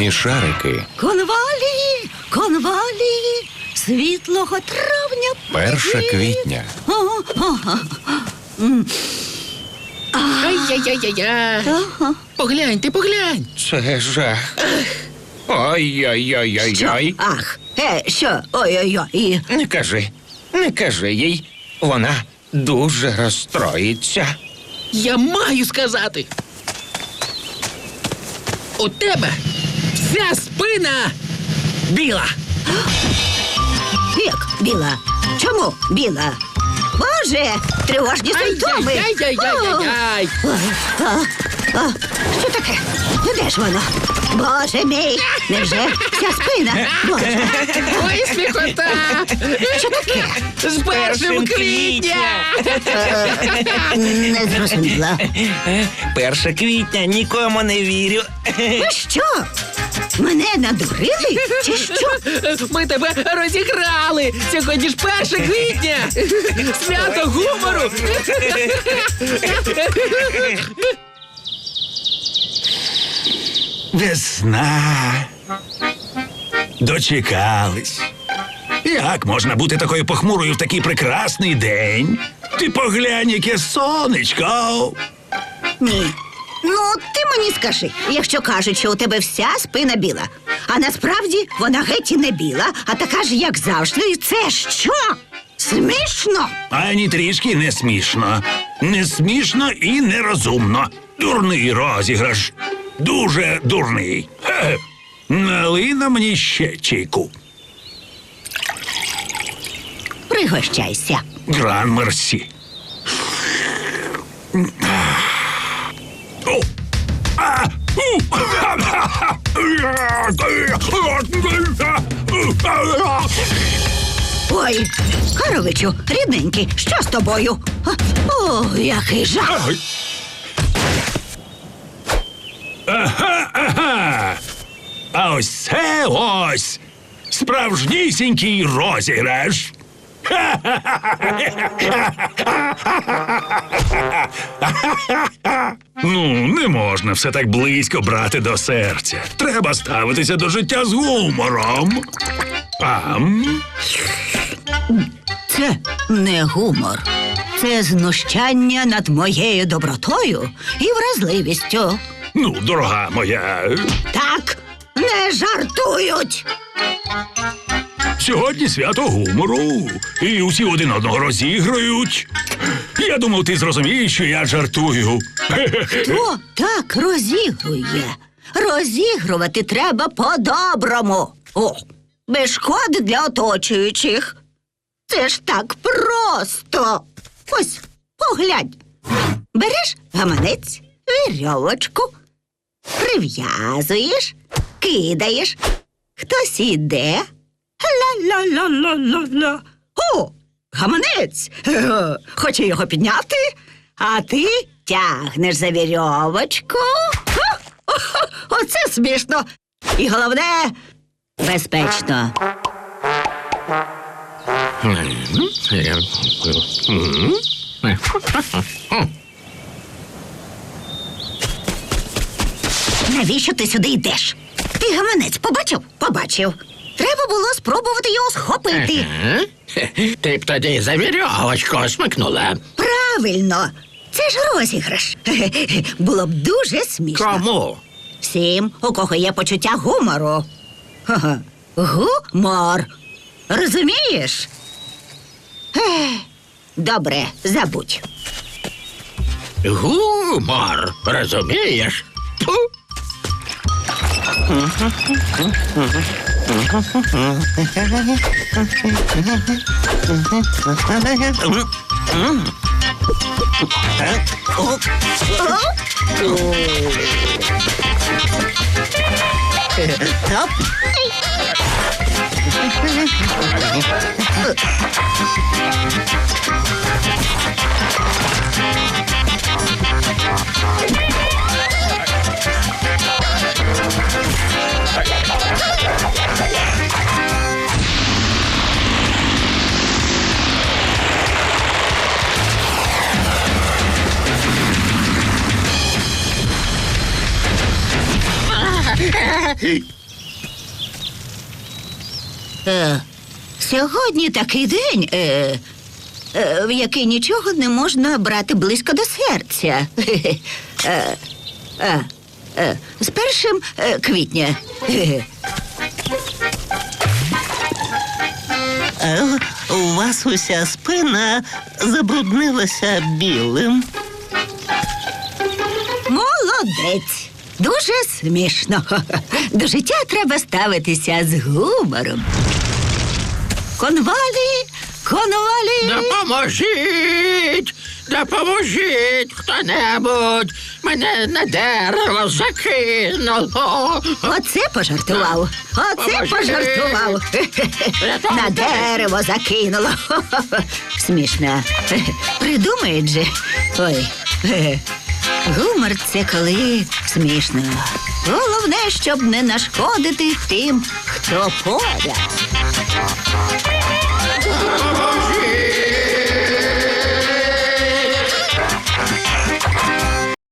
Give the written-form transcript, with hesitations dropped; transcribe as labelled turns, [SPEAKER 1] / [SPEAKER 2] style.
[SPEAKER 1] Смішарики.
[SPEAKER 2] Конвалії, конвалії, світлого травня.
[SPEAKER 1] 1 квітня.
[SPEAKER 3] Ай-яй-яй-яй-яй. Погляньте, поглянь.
[SPEAKER 1] Це жах. Ой-ой-ой-ой-ой.
[SPEAKER 2] Ах, що? Ой-ой-ой.
[SPEAKER 1] Не кажи їй. Вона дуже розстроїться.
[SPEAKER 3] Я маю сказати. У тебе вся спина біла.
[SPEAKER 2] Як біла? Чому біла? Боже, тривожні симптоми.
[SPEAKER 3] Ай-яй-яй-яй-яй.
[SPEAKER 2] Що таке? Де ж воно? Боже мій, невже вся спина? Боже,
[SPEAKER 3] Ой, сміхота.
[SPEAKER 2] що таке?
[SPEAKER 3] З 1 квітня.
[SPEAKER 2] Не зрозуміла.
[SPEAKER 4] 1 квітня, нікому не вірю.
[SPEAKER 2] Ви що? Мене надурили? Чи що?
[SPEAKER 3] Ми тебе розіграли. Сьогодні ж 1 квітня. Свято гумору.
[SPEAKER 5] Весна. Дочекались. Як можна бути такою похмурою в такий прекрасний день? Ти поглянь, яке сонечко.
[SPEAKER 2] Ні. Ну, ти мені скажи, якщо кажуть, що у тебе вся спина біла, а насправді вона геть і не біла, а така ж, як завжди, це що? Смішно?
[SPEAKER 5] Ані трішки не смішно. Не смішно і нерозумно. Дурний розіграш. Дуже дурний. Хе-хе. Налий на мені ще чайку.
[SPEAKER 2] Пригощайся.
[SPEAKER 5] Гран мерсі. О! А!
[SPEAKER 2] Ой, Харовичу, рідненький, що з тобою? О, який жах!
[SPEAKER 5] Ага. А ось це ось справжнісінький розіграш. Ну, не можна все так близько брати до серця. Треба ставитися до життя з гумором.
[SPEAKER 2] Це не гумор. Це знущання над моєю добротою і вразливістю.
[SPEAKER 5] Ну, дорога моя,
[SPEAKER 2] Так, не жартують.
[SPEAKER 5] сьогодні свято гумору, і усі один одного розігрують. Я думав, ти зрозумієш, що я жартую.
[SPEAKER 2] Хто так розігрує? Розігрувати треба по-доброму. О, без шкоди для оточуючих. Це ж так просто. Ось, поглянь. Береш гаманець, вірьовочку, прив'язуєш, кидаєш. Хтось іде. Ла-ла-ла-ла-ла-ла. О, гаманець. Хоче його підняти, а ти тягнеш за вірьовочку. Оце смішно. І головне, безпечно. Навіщо ти сюди йдеш? Ти гаманець побачив? Побачив. Треба було спробувати його схопити.
[SPEAKER 3] Ти б тоді за вірьовочку смикнула.
[SPEAKER 2] Правильно. Це ж розіграш. Було б дуже смішно.
[SPEAKER 3] Кому?
[SPEAKER 2] Всім, у кого є почуття гумору. Ха-ха. Гумор. Розумієш? Добре, забудь.
[SPEAKER 3] Гумор, розумієш? Фу.
[SPEAKER 2] Сьогодні такий день, в який нічого не можна брати близько до серця. З 1 квітня.
[SPEAKER 4] У вас уся спина забруднилася білим.
[SPEAKER 2] Молодець. Дуже смішно. До життя треба ставитися з гумором. Конвалі, конвалі.
[SPEAKER 3] Допоможіть! Допоможіть хто-небудь! Мене на дерево закинуло!
[SPEAKER 2] Оце пожартував. Оце
[SPEAKER 3] Поможіть.
[SPEAKER 2] пожартував. На дерево закинуло. Смішно. Придумають же. Ой. Гумор – це коли смішно. Головне, щоб не нашкодити тим, хто поряд.